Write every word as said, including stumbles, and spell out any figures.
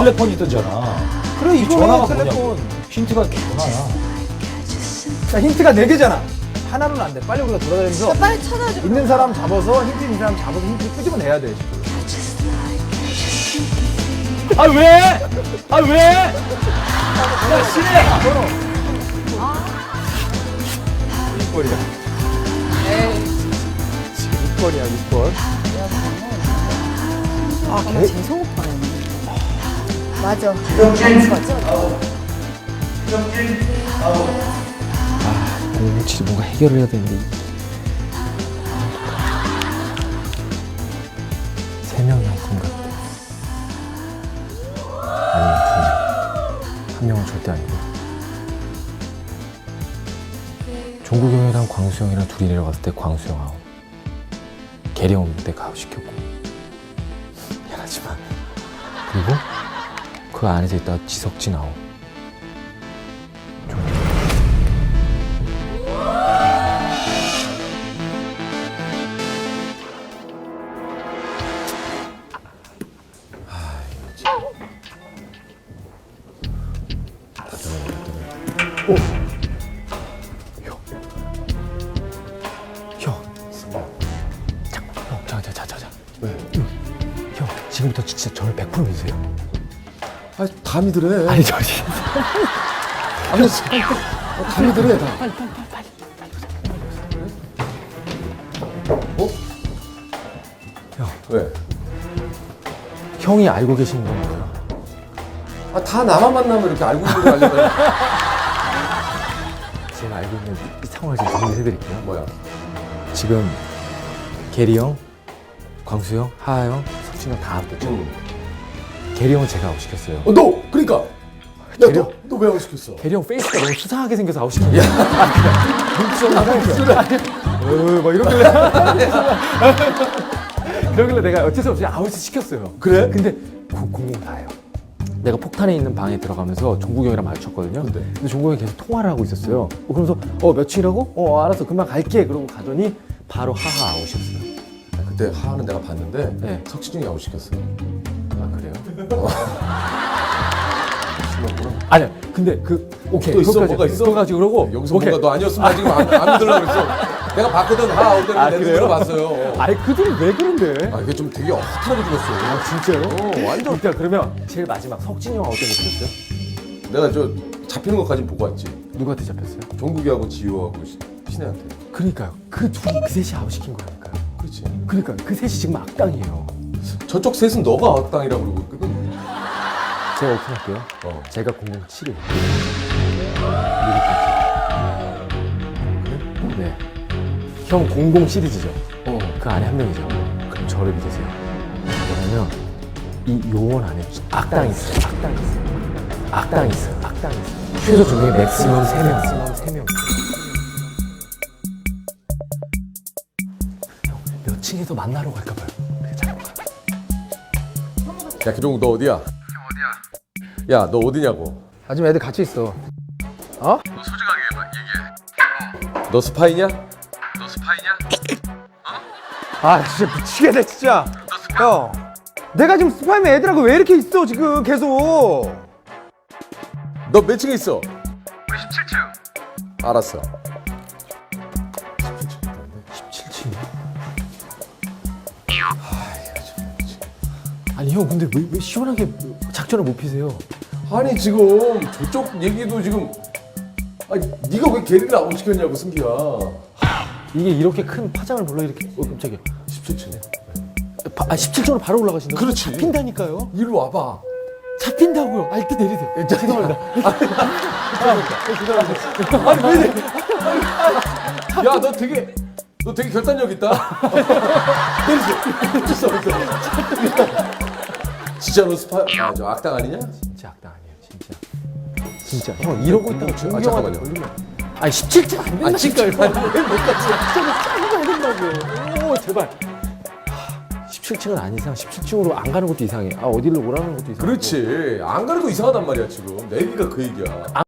텔레폰이 뜨잖아. 그래 이 이거는 전화가 텔레폰. 뭐냐고. 힌트가 전화야. 자 힌트가 네 개잖아. 하나는 안 돼. 빨리 우리가 돌아다니면서 자, 빨리 찾아줘. 있는 사람 잡아서 힌트 있는 사람 잡아서 힌트 끄집어내야 돼 지금. 아 왜? 아 왜? 야 신혜. 육 번이야. 육 번이야 육 번. 아, 걔 재성 오빠네. 맞아. 오, 진짜 뭔가 해결을 해야 되는데. 세 명이 한 분 같아. 아니면 두 명. 한 명은 절대 아니고. 종국이 형이랑 광수 형이랑 둘이 내려갔을 때 광수 형 아웃. 계리 형 내가 아웃 시켰고. 미안하지만. 그리고 그 안에서 있다가 지석진 아웃. 형. 잠깐, 형, 자, 자, 자, 자, 자. 왜? 형, 지금부터 진짜 저를 백 퍼센트 믿으세요. 아, 다 믿으래. 아니, 저 진짜. 아니, 어, 다 믿으래, 다. 어? 형, 왜? 형이 알고 계시는 건 뭐예요? 아, 다 나만 만나면 이렇게 알고 있는 거 알려줘요. 제가 알고 있는 이 상황을 좀 정리해드릴게요. 뭐야? 지금 게리 형, 광수 형, 하하 형, 석진 형 다 아웃됐죠? 응. 게리 형은 제가 아웃시켰어요. 어, 너! 그러니까! 야, 게리 너, 너 왜 안 시켰어? 게리 형 페이스가 너무 수상하게 생겨서 아웃시켰어요. 어, 막 이러길래. 그러길래 내가 어쩔 수 없이 아웃을 시켰어요. 그래? 근데 공공 다예요. 내가 폭탄에 있는 방에 들어가면서 종국이 형이랑 마주쳤거든요. 근데? 근데 종국이 형이 계속 통화를 하고 있었어요. 어, 그러면서 어 며칠이라고? 어 알았어 금방 갈게. 그러고 가더니 바로 하하 아웃이었어요. 아, 그때 하하는 내가 봤는데, 네. 석진이 아웃 시켰어. 아 그래요? 심하구나. 아니야. 근데 그 오케이. 또 있어? 그것까지, 뭐가 있어? 그거까지 그러고 여기서 오케이. 뭔가 너 아니었으면 나 지금 안, 안 믿으려고 그랬어. 내가 봤거든, 하하 아웃 아, 때문에 내 그래요? 눈으로 봤어요. 아니 그들은 왜 그런데? 아, 이게 좀 되게 허탈하게 죽었어. 아 진짜요? 어, 완전. 일단 그러면 제일 마지막 석진이 형 아웃 때문에 그랬어요? 내가 저 잡히는 것까지 보고 왔지. 누구한테 잡혔어요? 종국이하고 지효하고 시- 신혜한테. 그러니까요. 그 둘이 그 셋이 아웃시킨 거니까요. 그렇지. 그러니까 그 셋이 지금 악당이에요. 저쪽 셋은 너가 악당이라고 그러고 있거든. 제가 오픈할게요. 어. 제가 공공칠이에요. 네. 형 공공 시리즈죠. 어. 그 안에 한 명이죠. 그럼 저를 믿으세요. 왜냐면 이 요원 안에 악당이 있어요. 악당이 있어요. 악당이 있어요. 악당이 있어요. 최소 두 명이 맥시멈 세 명. 맥시멈 세 명. 형, 몇 층에서 만나러 갈까 봐요. 그래, 잠깐 가. 야, 기종 너 어디야? 형 어디야? 야, 너 어디냐고? 아 지금 애들 같이 있어. 어? 너 스파이냐? 아 진짜 미치겠네 진짜. 형. 내가 지금 스파이면 애들하고 왜 이렇게 있어 지금 계속. 너 몇 층에 있어? 우리 십칠 층. 알았어. 십칠 층이요? 아니 형 근데 왜, 왜 시원하게 작전을 못 피세요? 아니 지금 저쪽 얘기도 지금 아니 네가 왜 걔를 아웃 시켰냐고 승기야. 이게 이렇게 큰 파장을 불러일으키... 어 깜짝이야. 십칠 층에. 바, 아 십칠 층으로 바로 올라가신다고? 그렇지. 잡힌다니까요. 이리로 와봐. 잡힌다고요. 아 일단 내리세요. 자, 죄송합니다. 아니 왜 이래? 야, 너 되게 너 되게 결단력 있다. 내리세요. 어쩔 수 없어. 진짜 너 스파 아, 저 악당 아니냐? 진짜 악당 아니에요. 진짜. 진짜. 형 이러고 있다가 아, 종기 잠깐만요. 형한테 걸리면 아니 십칠 층 안 된다니까요. 아니, 십칠 층 아니, 왜 못 갔지? 저는 짜고 가야 된다고요. 오 제발. 하, 십칠 층은 아닌 이상 십칠 층으로 안 가는 것도 이상해. 아 어디를 오라는 것도 이상해. 그렇지. 안 가는 거 이상하단 말이야 지금. 내비가 그 얘기야.